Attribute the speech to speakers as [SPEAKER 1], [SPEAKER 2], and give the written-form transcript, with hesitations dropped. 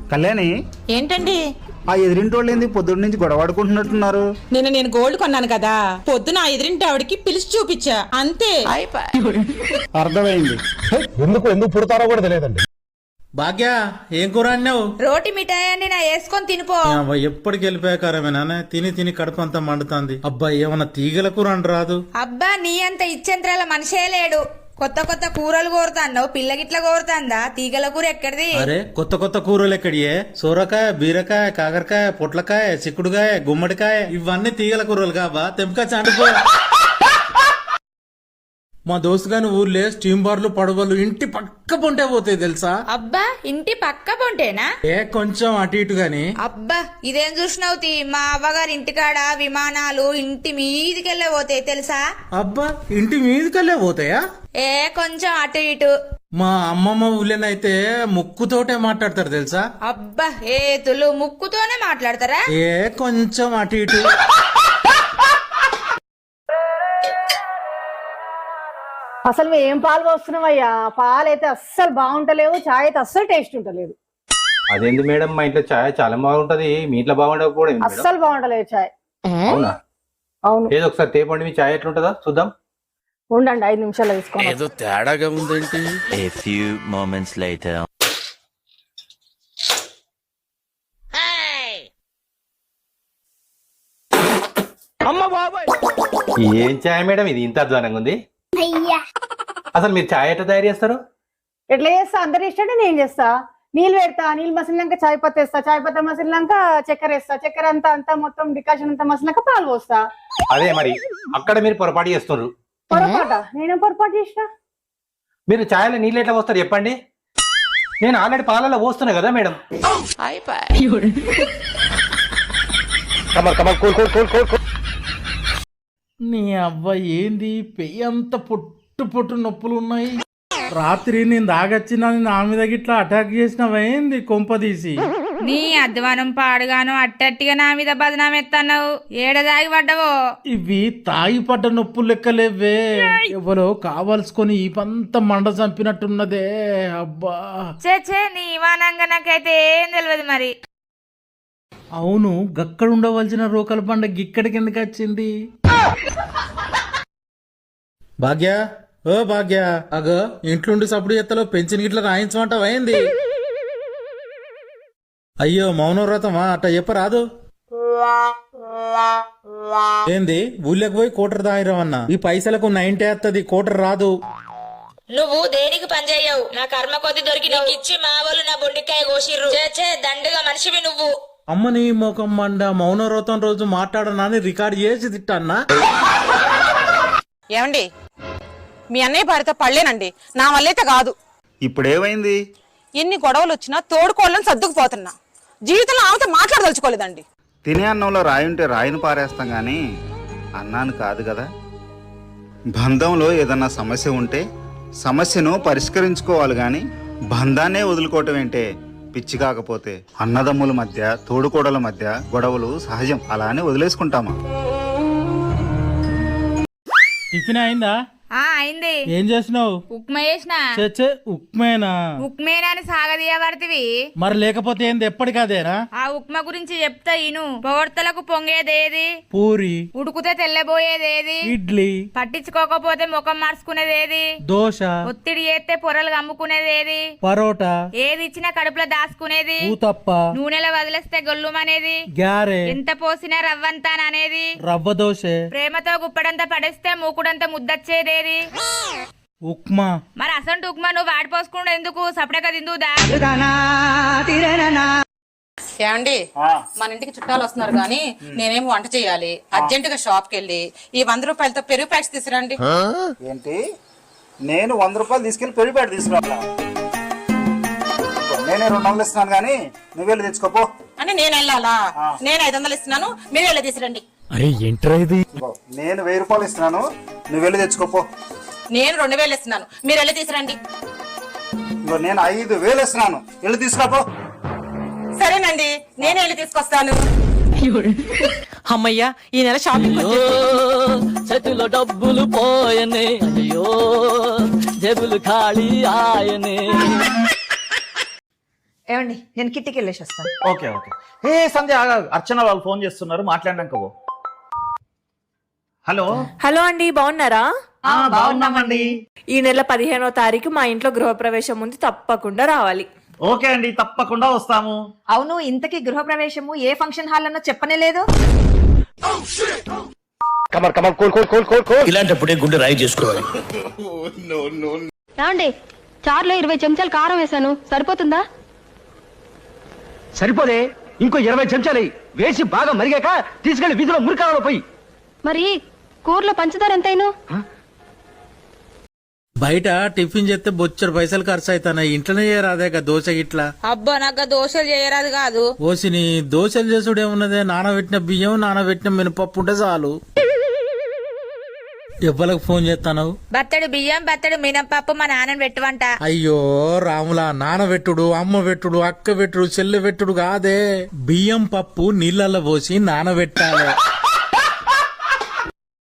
[SPEAKER 1] కళ్యాణి,
[SPEAKER 2] ఏంటండి?
[SPEAKER 1] ఆ ఎదిరింటోళ్ళు ఏంది పొద్దున్న నుంచి గొడవాడుకుంటున్నట్టున్నారు?
[SPEAKER 2] నేను గోల్డ్ కొన్నాను కదా, పొద్దున ఆ ఎదిరింటి ఆవిడకి పిలిచి చూపించా, అంతే.
[SPEAKER 1] అర్థమైంది.
[SPEAKER 3] ఎందుకు పుడతారో కూడా తెలియదండి.
[SPEAKER 4] భాగ్య, ఏం కూర అన్నావు?
[SPEAKER 2] రోటి మిఠాయి అండి, నా వేసుకొని తినిపో.
[SPEAKER 4] ఎప్పటికి వెళ్ళిపోయాకారమే నాన్న, తిని తిని కడుపు అంతా మండుతుంది. అబ్బా, ఏమన్నా తీగల కూర అని రాదు?
[SPEAKER 2] అబ్బా, నీ అంత ఇచ్చేంత్రాల మనిషే లేడు. కొత్త కొత్త కూరలు కోరుతాండవు, పిల్లగిట్లా కోరుతాందా? తీగల కూర ఎక్కడిది?
[SPEAKER 4] అరే, కొత్త కొత్త కూరలు ఎక్కడియే? సోరకాయ, బీరకాయ, కాకరకాయ, పొట్లకాయ, చిక్కుడుకాయ, గుమ్మడికాయ, ఇవన్నీ తీగల కూరలు కాబా? తెంపక చాటుకో. మా దోస్తు గాని ఊర్లే స్టీమ్ బార్లు, పడవలు ఇంటి పక్క పొంటే పోతాయి తెలుసా?
[SPEAKER 2] అబ్బా, ఇంటి పక్క పొంటేనా?
[SPEAKER 4] కొంచెం అటు ఇటు గాని.
[SPEAKER 2] అబ్బా, ఇదేం చూసినవుతి? మా అవ్వగారి ఇంటికాడ విమానాలు ఇంటి మీదికెళ్ళే పోతాయి తెలుసా?
[SPEAKER 4] అబ్బా, ఇంటి మీదకెళ్ళే పోతాయా?
[SPEAKER 2] కొంచెం అటు ఇటు.
[SPEAKER 4] మా అమ్మమ్మ ఊళ్ళోనైతే ముక్కుతోటే మాట్లాడతారు తెలుసా?
[SPEAKER 2] అబ్బా, ఏతులు ముక్కుతోనే మాట్లాడతారా?
[SPEAKER 4] కొంచెం అటు ఇటు.
[SPEAKER 5] అసలు ఏం పాలు పోస్తున్నావయ్యా? పాలు అయితే అస్సలు బాగుంటలేవు, చాయ్ అయితే అస్సలు టేస్ట్ ఉంటలేదు.
[SPEAKER 3] అదేంది మేడం, మా ఇంట్లో చాయ్ చాలా బాగుంటది, మీ ఇంట్లో బాగుండకపోవడం
[SPEAKER 5] అస్సలు బాగుంటలేదు చాయ్.
[SPEAKER 3] అవునా?
[SPEAKER 5] అవును.
[SPEAKER 3] ఏదో ఒకసారి తేపండి, మీ చాయ్ ఎట్లుంటుందో చూద్దాం.
[SPEAKER 5] ఉండండి, 5 నిమిషాలు తీసుకోండి.
[SPEAKER 4] ఏదో తేడాగా ఉందేంటి?
[SPEAKER 6] A few moments later.
[SPEAKER 3] ఏం చాయ్ మేడం ఇది, ఇంత అధ్వానంగా ఉంది? అసలు మీరు చాయ్ ఎట్లా తయారు చేస్తారు?
[SPEAKER 5] ఎట్లా చేస్తా? అందరు ఇష్టంటే నేను చేస్తా. నీళ్ళు పెడతా, నీళ్ళు మసిలినాక చాయ్ పత్తి వేస్తా, చాయ్ పత్తి మసిలినాక చక్కెర వేస్తా, చక్కెర అంతా మొత్తం డికాషన్ అంతా మసిలినాక పాలు పోస్తా.
[SPEAKER 3] అదే మరి అక్కడ మీరు పొరపాటు చేస్తున్నారు.
[SPEAKER 5] పొరపాట? నేనేం పొరపాటు చేసిన?
[SPEAKER 3] మీరు చాయ్లో నీళ్ళు ఎట్లా పోస్తారు చెప్పండి? నేను ఆల్రెడీ పాలలో పోస్తున్నా కదా మేడం.
[SPEAKER 4] నీ అవ్వ, ఏంది పెయ్యి అంత పొట్టు పొట్టు నొప్పులు ఉన్నాయి. రాత్రి నేను దాగచ్చినా నా మీద గిట్లా అటాక్ చేసినవేంది కొంపదీసి?
[SPEAKER 2] నీ అధ్వానం పాడుగాను అట్టట్టిగా నా మీద బదనాం ఎత్తన్నావు. ఏడదాగి పడ్డవో?
[SPEAKER 4] ఇవి తాగి పడ్డ నొప్పులు లెక్కలేవే, ఎవరో కావాల్సుకొని ఈ పంత మండ చంపినట్టున్నదే. అబ్బా
[SPEAKER 2] చే నీ ఇవానంగా నాకైతే ఏం తెలియదు మరి.
[SPEAKER 4] అవును, గక్కడ ఉండవలసిన రోకల పండ గిక్కడికి ఎందుకు వచ్చింది? భాగ్య, ఓ భాగ్య, అగో ఇంట్లోండి సప్పుడు ఎత్తలో పెంచిన గిట్ల రాయించమంటావా ఏంది? అయ్యో, మౌనవ్రతమా? అట్ట చెప్పరాదు. ఏంది, ఊళ్ళకి పోయి కోటర్ దాయిరవన్నా? ఈ పైసలకు 90 వస్తుంది, కోటర్ రాదు.
[SPEAKER 2] నువ్వు దేనికి పని చేయవు? నా కర్మ కొద్ది దొరికి నీకు ఇచ్చి మా వాళ్ళు నా బొండికాయ కోసిర్రు. చే దండుగా మనిషివి నువ్వు.
[SPEAKER 4] అమ్మని మోకం మండ, మౌనవ్రతం రోజు మాట్లాడనాని రికార్డ్ చేసి తిట్టన్నా.
[SPEAKER 7] ఏమండి, మీ అన్నయ్య భార్యతో పడలేనండి, నా వల్లైతే కాదు.
[SPEAKER 1] ఇప్పుడేమైంది?
[SPEAKER 7] ఎన్ని గొడవలు వచ్చినా తోడుకోవాలని సర్దుకుపోతున్నా. జీవితంలో ఆమెతో మాట్లాడదలుచుకోలేదండి.
[SPEAKER 1] తినే అన్నంలో రాయి ఉంటే రాయిని పారేస్తాం గాని అన్నాను కాదు కదా. బంధంలో ఏదన్నా సమస్య ఉంటే సమస్యను పరిష్కరించుకోవాలి గాని బంధాన్నే వదులుకోవటం ఏంటే పిచ్చి? కాకపోతే అన్నదమ్ముల మధ్య, తోడుకోడల మధ్య గొడవలు సహజం, అలానే వదిలేసుకుంటామా?
[SPEAKER 4] టిఫిన్ అయిందా?
[SPEAKER 2] అయింది.
[SPEAKER 4] ఏం చేసినావు?
[SPEAKER 2] ఉప్మా చేసిన.
[SPEAKER 4] ఉప్మేనా?
[SPEAKER 2] ఉప్మేనా అని సాగదీయబడితివి.
[SPEAKER 4] మరి లేకపోతే ఏంది, ఎప్పటికదేనా?
[SPEAKER 2] ఆ ఉప్మా గురించి చెప్తా ఇను. పొగడ్తలకు పొంగేదేది?
[SPEAKER 4] పూరి.
[SPEAKER 2] ఉడుకుతే తెల్లబోయేదేది?
[SPEAKER 4] ఇడ్లీ.
[SPEAKER 2] పట్టించుకోకపోతే ముఖం మార్చుకునేదేది?
[SPEAKER 4] దోశ.
[SPEAKER 2] ఒత్తిడి చేస్తే పొరలు కమ్ముకునేదేది?
[SPEAKER 4] పరోటా.
[SPEAKER 2] ఏది ఇచ్చినా కడుపులో దాచుకునేది?
[SPEAKER 4] ఊతప్ప.
[SPEAKER 2] నూనెలో వదిలేస్తే గొల్లుమనేది?
[SPEAKER 4] గారె.
[SPEAKER 2] ఎంత పోసినా రవ్వంతాననేది?
[SPEAKER 4] రవ్వ దోశ.
[SPEAKER 2] ప్రేమతో గుప్పడంతా పడేస్తే మూకుడంతా ముద్దచ్చేదేది?
[SPEAKER 4] ఉప్మా.
[SPEAKER 2] మరి అసంటు ఉప్మా నువ్వు వాడిపోసుకుండా ఎందుకు? సపడక తిందుదా?
[SPEAKER 7] ఏమండి, మన ఇంటికి చుట్టాలు వస్తున్నారు గాని నేనేం వంట చేయాలి. అర్జెంట్ గా షాప్ కి వెళ్ళి ఈ 100 రూపాయలతో పెరుగు ప్యాక్స్ తీసుకురండి.
[SPEAKER 1] ఏంటి? నేను 100 రూపాయలు తీసుకెళ్లి పెళ్లి పేట తీసుకురా? నేనే 200 ఇస్తున్నాను గానీ నువ్వు వెళ్ళి తెచ్చుకోపో.
[SPEAKER 7] అంటే నేను వెళ్ళాలా? నేను 500 ఇస్తున్నాను, మీరు వెళ్ళి తీసుకురండి.
[SPEAKER 4] అరే ఏంట్రా ఇది?
[SPEAKER 1] నేను 1000 రూపాయలు ఇస్తున్నాను, నువ్వు వెళ్ళి తెచ్చుకోపో.
[SPEAKER 7] నేను 2000 ఇస్తున్నాను, మీరు వెళ్ళి తీసుకురండి.
[SPEAKER 1] నేను 5000 ఇస్తున్నాను, వెళ్ళి తీసుకురాపో.
[SPEAKER 7] సరేనండి, నేను వెళ్ళి తీసుకొస్తాను.
[SPEAKER 8] అమ్మయ్యా, ఈ నెల షాపింగ్ చేతిలో డబ్బులు పోయనే, అయ్యో జేబులు ఖాళీ ఆయనే.
[SPEAKER 9] ఏమండి నేను కిట్టికి వెళ్ళేసి వస్తాను.
[SPEAKER 10] Okay okay. ఏ సంధ్య అర్చన వాళ్ళు ఫోన్ చేస్తున్నారు, మాట్లాడినాక పో. హలో
[SPEAKER 11] హలో అండి, బాగున్నారా?
[SPEAKER 10] బాగున్నామండి.
[SPEAKER 11] ఈ నెల 15వ తారీఖు మా ఇంట్లో గృహప్రవేశం ఉంది, తప్పకుండా రావాలి.
[SPEAKER 10] ఓకే అండి, తప్పకుండా వస్తాము.
[SPEAKER 9] అవును, ఇంతకీ గృహప్రవేశము ఏ ఫంక్షన్ హాల్ అన్నో చెప్పనే లేదు.
[SPEAKER 8] ఇలాంటప్పుడే గుండె రాయి చేసుకోవాలి.
[SPEAKER 5] ఏమండి చారులో 20 చెంచాలు కారం వేసాను, సరిపోతుందా?
[SPEAKER 8] సరిపోదే, ఇంకో 20 చెంచాలు వేసి బాగా మరిగాక తీసుకెళ్లి వీధిలో మురికాలలో పోయి.
[SPEAKER 5] మరి కూరలో పంచదార ఎంతైనా?
[SPEAKER 4] బయట టిఫిన్ చేస్తే బొచ్చడు పైసలు ఖర్చు అవుతాయి, ఇంట్లోనే చేయరాదే దోశ ఇట్లా.
[SPEAKER 2] అబ్బా నాకు దోశలు చేయరాదు కాదు.
[SPEAKER 4] ఓసిని దోశలు చేసుడు ఏమున్నదే, నానబెట్టిన బియ్యం నానబెట్టిన మినపప్పు ఉంటే చాలు. ఎవ్వలకు ఫోన్ చేస్తాను?
[SPEAKER 2] బత్తడు బియ్యం బత్తడు మినపప్పు మా నాన్నని పెట్టువంట.
[SPEAKER 4] అయ్యో రాములా, నానబెట్టుడు, అమ్మ పెట్టుడు, అక్క పెట్టుడు, చెల్లె పెట్టుడు కాదే. బియ్యం పప్పు నీళ్ళల్లో పోసి నానబెట్టాలి.